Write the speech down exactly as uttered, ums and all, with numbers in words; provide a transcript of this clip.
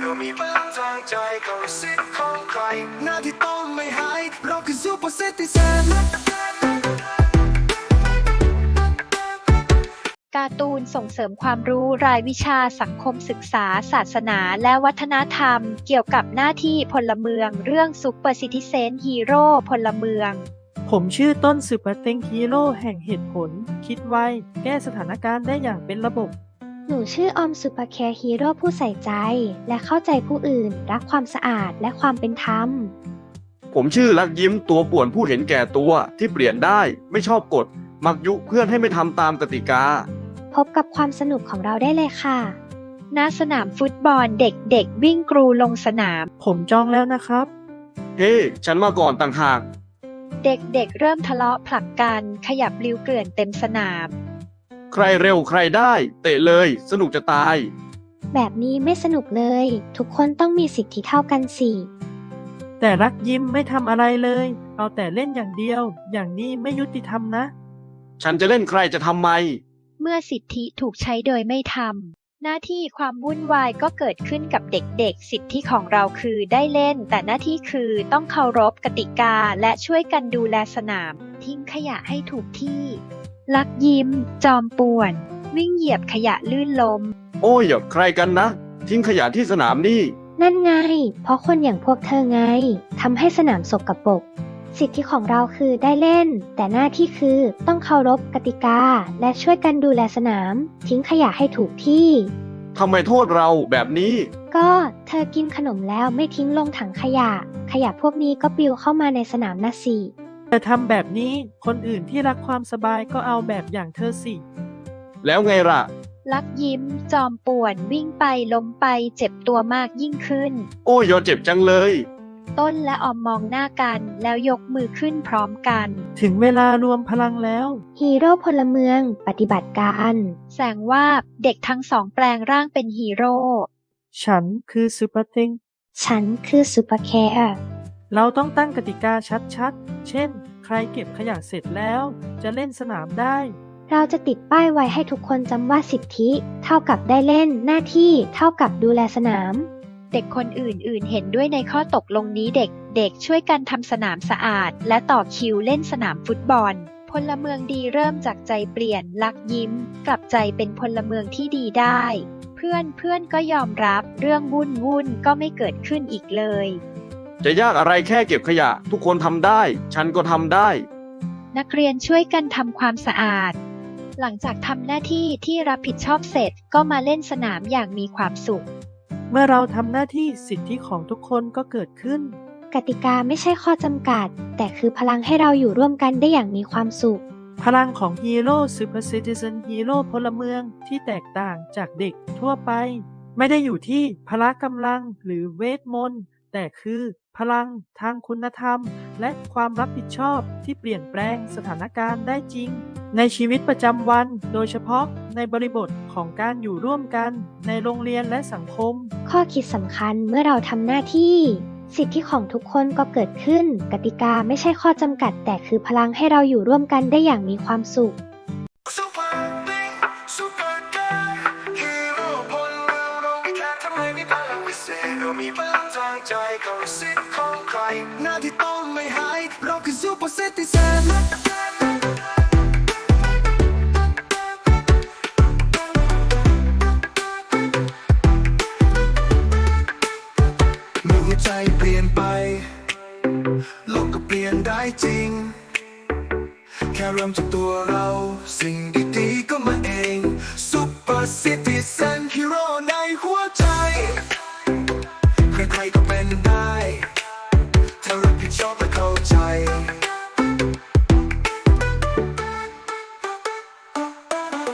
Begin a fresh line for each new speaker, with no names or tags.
เรามีพลังทางใจก็สิทธิ์ของใครหน้าที่ต้องไม่หายเราคือซูเปอร์ซิติเซน
การ์ตูนส่งเสริมความรู้รายวิชาสังคมศึกษา ศาสนาและวัฒนธรรม เกี่ยวกับหน้าที่พลเมืองเรื่องซุปเปอร์ซิติเซนฮีโร่พลเมือง
ผมชื่อต้นซูเปอร์เต็งฮีโร่แห่งเหตุผล คิดไวแก้สถานการณ์ได้อย่างเป็นระบบ
หนูชื่อออมซูเปอร์แคร์ฮีโร่ผู้ใส่ใจ และเข้าใจผู้อื่น รักความสะอาดและความเป็นธรรม
ผมชื่อลักยิ้มตัวป่วนผู้เห็นแก่ตัวที่เปลี่ยนได้ไม่ชอบกฎมักยุเพื่อนให้ไม่ทำตามกติกา
พบกับความสนุกของเราได้เลยค่ะ
ณสนามฟุตบอลเด็กๆวิ่งกรูลงสนาม
ผมจองแล้วนะครับ
เฮ้ hey, ฉันมาก่อนต่างหาก
เด็กๆเเริ่มทะเลาะผลักกันขยับลิ้วเกลื่อนเต็มสนาม
ใครเร็วใครได้เตะเลยสนุกจะตาย
แบบนี้ไม่สนุกเลยทุกคนต้องมีสิทธิเท่ากันสิ
แต่รักยิ้มไม่ทำอะไรเลยเอาแต่เล่นอย่างเดียวอย่างนี้ไม่ยุติธรรมนะ
ฉันจะเล่นใครจะทำไม
เมื่อสิทธิถูกใช้โดยไม่ทำหน้าที่ความวุ่นวายก็เกิดขึ้นกับเด็กๆสิทธิของเราคือได้เล่นแต่หน้าที่คือต้องเคารพกติกาและช่วยกันดูแลสนามทิ้งขยะให้ถูกที่ลักยิ้มจอมป่วนวิ่งเหยียบขยะลื่นล้ม
โอ้ยอย่าใครกันนะทิ้งขยะที่สนามนี่
นั่นไงเพราะคนอย่างพวกเธอไงทำให้สนามสกปรกสิทธิของเราคือได้เล่นแต่หน้าที่คือต้องเคารพกติกาและช่วยกันดูแลสนามทิ้งขยะให้ถูกที่
ทำไมโทษเราแบบนี้
ก็เธอกินขนมแล้วไม่ทิ้งลงถังขยะขยะพวกนี้ก็ปลิวเข้ามาในสนามนะสิ
แต่ทำแบบนี้คนอื่นที่รักความสบายก็เอาแบบอย่างเธอสิ
แล้วไงล่ะ
ลักยิ้มจอมป่วนวิ่งไปล้มไปเจ็บตัวมากยิ่งขึ้น
โอ้ยอย่าเจ็บจังเลย
ต้นและออมมองหน้ากันแล้วยกมือขึ้นพร้อมกัน
ถึงเวลารวมพลังแล้ว
ฮีโร่พลเมืองปฏิบัติการ
แสงว่าเด็กทั้งสองแปลงร่างเป็นฮีโร่
ฉันคือซูเปอร์เต็ง
ฉันคือซูเปอร์แคร์
เราต้องตั้งกติกาชัดๆเช่นใครเก็บขยะเสร็จแล้วจะเล่นสนามได้
เราจะติดป้ายไว้ให้ทุกคนจำว่าสิทธิเท่ากับได้เล่นหน้าที่เท่ากับดูแลสนาม
เด็กคนอื่นๆเห็นด้วยในข้อตกลงนี้เด็กๆช่วยกันทำสนามสะอาดและต่อคิวเล่นสนามฟุตบอลพลเมืองดีเริ่มจากใจเปลี่ยนลักยิ้มกลับใจเป็นพลเมืองที่ดีได้เพื่อนเพื่อนก็ยอมรับเรื่องวุ่นวุ่นก็ไม่เกิดขึ้นอีกเลย
จะยากอะไรแค่เก็บขยะทุกคนทำได้ฉันก็ทำได้
นักเรียนช่วยกันทำความสะอาดหลังจากทำหน้าที่ที่รับผิดชอบเสร็จก็มาเล่นสนามอย่างมีความสุข
เมื่อเราทำหน้าที่สิทธิของทุกคนก็เกิดขึ้น
กติกาไม่ใช่ข้อจำกัดแต่คือพลังให้เราอยู่ร่วมกันได้อย่างมีความสุข
พลังของฮีโร่ซูเปอร์ซิติเซนฮีโร่พลเมืองที่แตกต่างจากเด็กทั่วไปไม่ได้อยู่ที่พละกำลังหรือเวทมนต์แต่คือพลังทางคุณธรรมและความรับผิดชอบที่เปลี่ยนแปลงสถานการณ์ได้จริงในชีวิตประจำวันโดยเฉพาะในบริบทของการอยู่ร่วมกันในโรงเรียนและสังคม
ข้อคิดสำคัญเมื่อเราทำหน้าที่สิทธิของทุกคนก็เกิดขึ้นกติกาไม่ใช่ข้อจำกัดแต่คือพลังให้เราอยู่ร่วมกันได้อย่างมีความสุข
มีพลังทางใจก็สิทธิ์ของใครหน้าที่ต้องไม่หายเราคือซูเปอร์ซิติเซนเมื่อหัวใจเปลี่ยนไปโลกก็เปลี่ยนได้จริงแค่เริ่มจากตัวเราสิ่งดีๆก็มาเองซูเปอร์ซิติเซนฮีโร่ในหัวใจใครๆก็เป็นได้ถ้ารับผิดชอบและเข้าใจ